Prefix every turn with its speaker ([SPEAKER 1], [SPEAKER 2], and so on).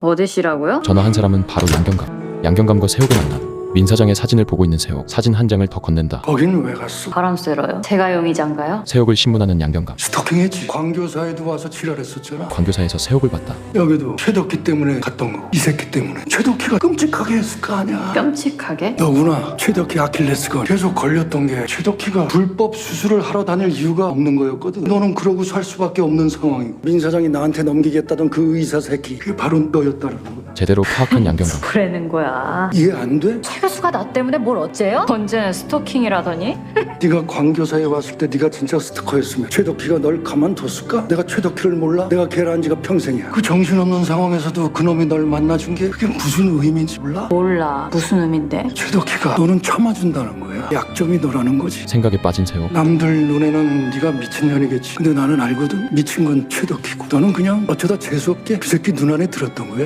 [SPEAKER 1] 어디시라고요?
[SPEAKER 2] 전화한 사람은 바로 양경감. 양경감과 세옥을 만나 민 사장의 사진을 보고 있는 세옥. 사진 한 장을 더 건넨다.
[SPEAKER 3] 거긴 왜 갔어?
[SPEAKER 1] 바람 쐬러요? 제가 용의자인가요?
[SPEAKER 2] 세옥을 신문하는 양경감.
[SPEAKER 3] 스토킹했지. 광교사에도 와서 지랄했었잖아.
[SPEAKER 2] 광교사에서 세옥을 봤다.
[SPEAKER 3] 여기도 최덕기 때문에 갔던 거고 이 새끼 때문에 최덕기가 끔찍하게 했을 거 아니야.
[SPEAKER 1] 끔찍하게?
[SPEAKER 3] 너구나. 최덕기 아킬레스건 계속 걸렸던 게 최덕기가 불법 수술을 하러 다닐 이유가 없는 거였거든. 너는 그러고 살 수밖에 없는 상황이고 민 사장이 나한테 넘기겠다던 그 의사 새끼 그게 바로 너였다는 거야.
[SPEAKER 2] 제대로 파악한 양경감.
[SPEAKER 1] 뭐라는 거야?
[SPEAKER 3] 이해 안 돼?
[SPEAKER 1] 최 교수가 나 때문에 뭘 어째요? 언제는 스토킹이라더니?
[SPEAKER 3] 네가 광교사에 왔을 때 네가 진짜 스토커였으면 최덕기가 널 가만뒀을까? 내가 최덕기를 몰라? 내가 걔를 안 지가 평생이야. 그 정신없는 상황에서도 그놈이 널 만나준 게 그게 무슨 의미인지 몰라?
[SPEAKER 1] 몰라. 무슨 의미인데?
[SPEAKER 3] 최덕기가 너는 참아준다는 거야. 약점이 너라는 거지.
[SPEAKER 2] 생각에 빠진 세옥.
[SPEAKER 3] 남들 눈에는 네가 미친년이겠지. 근데 나는 알거든. 미친 건 최덕기고 너는 그냥 어쩌다 재수없게 그 새끼 눈 안에 들었던 거야.